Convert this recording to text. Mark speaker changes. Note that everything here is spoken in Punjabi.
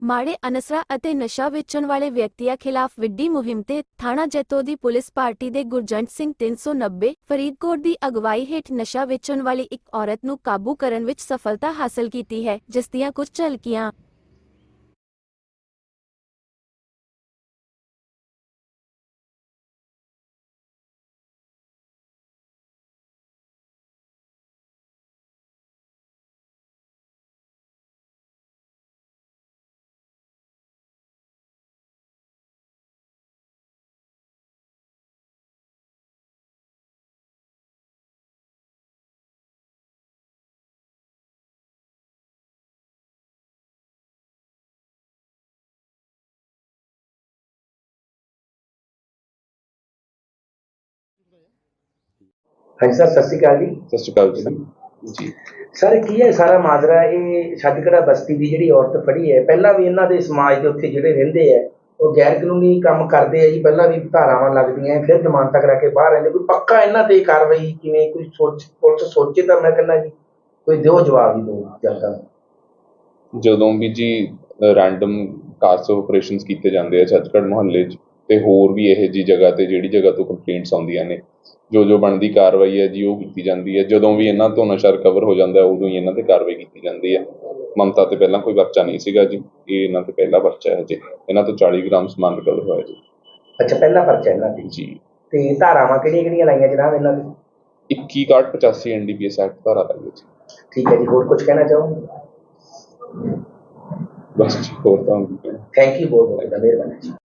Speaker 1: ਮਾੜੇ ਅਨਸਰਾਂ ਅਤੇ ਨਸ਼ਾ ਵੇਚਣ ਵਾਲੇ ਵਿਅਕਤੀਆਂ ਖਿਲਾਫ ਵਿੱਢੀ ਮੁਹਿੰਮ ਤੇ ਥਾਣਾ ਜੈਤੋ ਦੀ ਪੁਲਿਸ ਪਾਰਟੀ ਦੇ ਗੁਰਜੰਟ ਸਿੰਘ 390 ਫਰੀਦਕੋਟ ਦੀ ਅਗਵਾਈ ਹੇਠ ਨਸ਼ਾ ਵੇਚਣ ਵਾਲੀ ਇੱਕ ਔਰਤ ਨੂੰ ਕਾਬੂ ਕਰਨ ਵਿੱਚ ਸਫਲਤਾ ਹਾਸਲ ਕੀਤੀ ਹੈ, ਜਿਸ ਦੀਆਂ ਕੁਝ ਝਲਕੀਆਂ
Speaker 2: हाँ जी सर, सत श्री अकाल जी।
Speaker 3: सत श्री अकाल जी। जी
Speaker 2: सर की है सारा माजरा ये छत्तकड़ा बस्ती की जिहड़ी औरत फड़ी है, पहला भी इन्हां दे समाज दे उत्थे जिहड़े रहिंदे है वो गैर कानूनी काम करते हैं जी, पहला भी धारावां लगदियां फिर जमानत करा के बाहर आंदे, कोई पक्का इन्हां ते कार्रवाई किवें कोई पुलिस सोचे तो मैं कहना जी कोई दिओ जवाब ही दो जनता नूं।
Speaker 3: ਜਦੋਂ ਵੀ ਜੀ ਰੈਂਡਮ ਕਾਸ ਆਪਰੇਸ਼ਨਸ ਕੀਤੇ ਜਾਂਦੇ ਆ ਛੱਤਕੜ ਮੁਹੱਲੇ 'ਚ ਤੇ ਹੋਰ ਵੀ ਇਹ ਜੀ ਜਗ੍ਹਾ ਤੇ ਜਿਹੜੀ ਜਗ੍ਹਾ ਤੋਂ ਕੰਪਲੇਂਟਸ ਆਉਂਦੀਆਂ ਨੇ, ਜੋ ਬਣਦੀ ਕਾਰਵਾਈ ਹੈ ਜੀ ਉਹ ਕੀਤੀ ਜਾਂਦੀ ਹੈ। ਜਦੋਂ ਵੀ ਇਹਨਾਂ ਤੋਂ ਨਸ਼ਾ ਰਿਕਵਰ ਹੋ ਜਾਂਦਾ ਉਦੋਂ ਹੀ ਇਹਨਾਂ ਤੇ ਕਾਰਵਾਈ ਕੀਤੀ ਜਾਂਦੀ ਹੈ। ਮਮਤਾ ਤੇ ਪਹਿਲਾਂ ਕੋਈ ਪਰਚਾ ਨਹੀਂ ਸੀਗਾ ਜੀ, ਇਹ ਇਹਨਾਂ ਤੇ ਪਹਿਲਾ ਪਰਚਾ ਹੈ ਜੀ। ਇਹਨਾਂ ਤੋਂ 40 ਗ੍ਰਾਮ ਸਮਾਨ ਰਿਕਵਰ ਹੋਇਆ ਜੀ।
Speaker 2: अच्छा, पहला पर्चा इन्हां ते
Speaker 3: जी
Speaker 2: ते धारावां किहड़ियां लाइयां जनाब इन्हां ते?
Speaker 3: 21/85 NDPS एक्ट धारा लाਈ जी।
Speaker 2: ठीक है जी, होर कुछ कहना चाहोगे?
Speaker 3: बस जी, होर ਤਾਂ
Speaker 2: थैंक यू बहुत बहुत मेहरबानी।